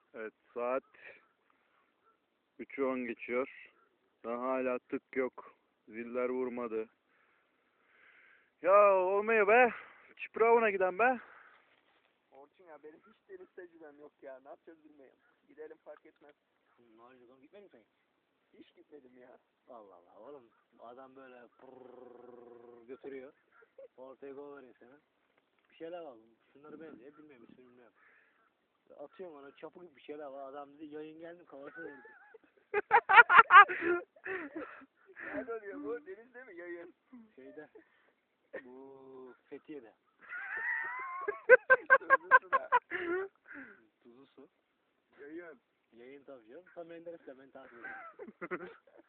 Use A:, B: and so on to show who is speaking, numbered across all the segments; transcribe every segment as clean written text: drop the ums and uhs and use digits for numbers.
A: Evet, saat 3'ü 10 geçiyor. Daha hala tık yok. Ziller vurmadı. Ya olmuyor be. Çipravına giden be.
B: Orçun ya benim hiç deniz tecrübem yok ya. Ne yapacağız bilmiyorum. Gidelim fark etmez.
C: Narcıkam gitmedin sen.
B: Hiç gitmedim ya.
C: Allah Allah oğlum adam böyle götürüyor. Ortaya gol veriyor sana. Bir şeyler var. Şunları benziyor. Bilmiyorum ismini bilmiyorum. Atıyorum ona çapı gibi bir şeyler var. Adam dedi yayın geldim kafasına vurdu.
B: Nerede oluyor bu? Denizde mi? Yayın.
C: Şeyde. Bu Fethiye'de.
B: Sözlüsü da.
C: Tuzlu su.
B: Yayın.
C: Yayın tabii canım. Tam Menderes'le beni takip ediyor.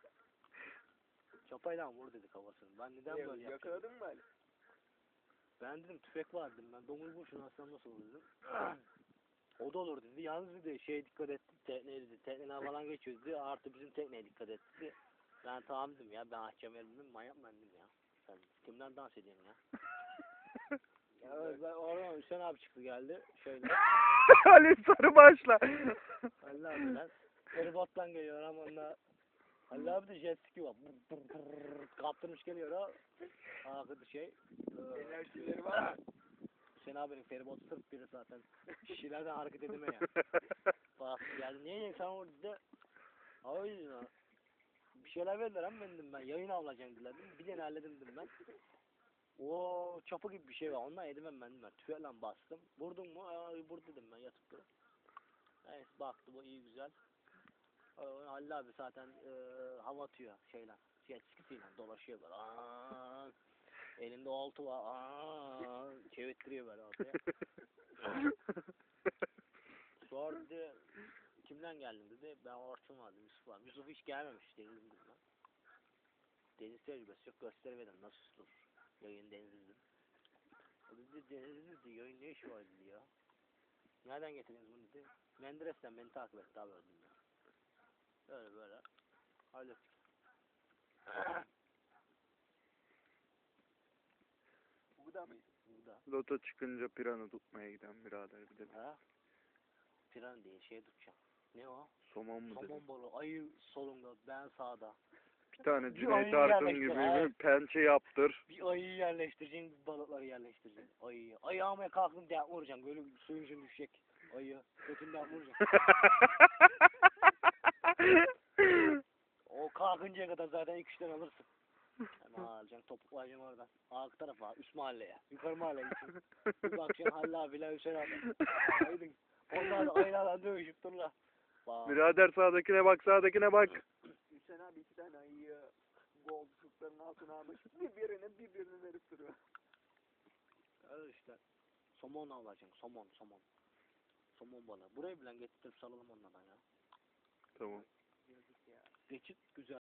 C: Çapayla vur dedi kafasını. Ben neden böyle yaptım?
B: Yakaladın mı Ali?
C: Ben dedim tüfek var dedim. Ben domuz boşuna atsam nasıl olur dedim. O da olur dedi. Yalnız dedi şeye dikkat et. Tekneye dedi. Tekneden falan geçiyoruz dedi. Artı bizim tekneye dikkat et dedi. Ben tamam dedim ya. Ben açacağım dedim. Manyak ben dedim ya. Sen kimden dans ediyorsun ya? Ya ben oradan Hüseyin abi çıktı geldi. Şöyle.
A: Ali Sarıbaş'la.
C: Halil abi lan. Feribottan geliyor ama onunla. Halil abi de jet ski var. Kaptırmış geliyor o. Akıdı şey.
B: Enerjileri var mı?
C: Hüseyin abinin feribot sırf biri zaten. Şişelerden hareket edemiyor. Bak geldi niye yiyeceksin sen orada dedi. O yüzden bir şeyler verdiler ama ben dedim ben yayın alacağım dediler dedim. Bir tane halledim dedim ben. O çapı gibi bir şey var ondan edemem ben dedim ben. Tüfeğle bastım. Vurdun mu? Vur dedim ben yatıp durup. Neyse baktı bu iyi güzel. Halil abi zaten hava atıyor şeyle. Jet skisiyle dolaşıyor böyle. Elinde oltu var. Çevirttiriyor böyle ortaya. Sonra dedi kimden geldin dedi. Ben Orçun vardım Yusuf var. Yusuf hiç gelmemiş denizin dedim. Deniz tecrübesi yok gösteremedim nasıl tutulur. Yayın denizlidir. O dedi denizlidir dedi. Yayın ne işi var dedi ya. Nereden getirdiniz bunu dedi. Menderes'ten beni takip etti abi dedim ya. Böyle böyle. Hallettik.
B: Bu da mıydı?
C: Bu da.
A: Loto çıkınca pirana tutmaya giden birader bir de.
C: Ha? Piran diye şey tutacağım. Ne o?
A: Somon mu dedi?
C: Somon balığı. Ayı solunda ben sağda.
A: Bir tane
C: Bir
A: Cüneyt
C: ayı
A: Arkın
C: yerleştir,
A: gibi
C: ay.
A: bir pençe yaptır.
C: Bir ayıyı yerleştireceksin, bir balıkları yerleştireceksin. Ayıyı. Ayı almaya kalktın diye vuracaksın. Böyle suyun içine düşecek. Ayı. Götünden vuracaksın. O kalkıncaya kadar zaten 2-3 tane alırsın. Hemen alacaksın, topuklayacaksın oradan. Arka tarafa, üst mahalleye. Yukarı mahalleye gideceksin. Bir bakacaksın Halil abiyle Hüseyin abi. Aydın. Onlar da ayılarla dövüşüp dururlar.
A: Birader sağdakine bak sağdakine bak.
B: Hüseyin abi 2 tane ayıyı golcukların altına almış. Birbirini verip duruyor.
C: Öyle işte. Somon alacaksın. Somon. Somon balığı. Buraya bile getirip salalım onlardan ya.
A: Tamam.
B: Yazık ya.
C: Geçit güzel.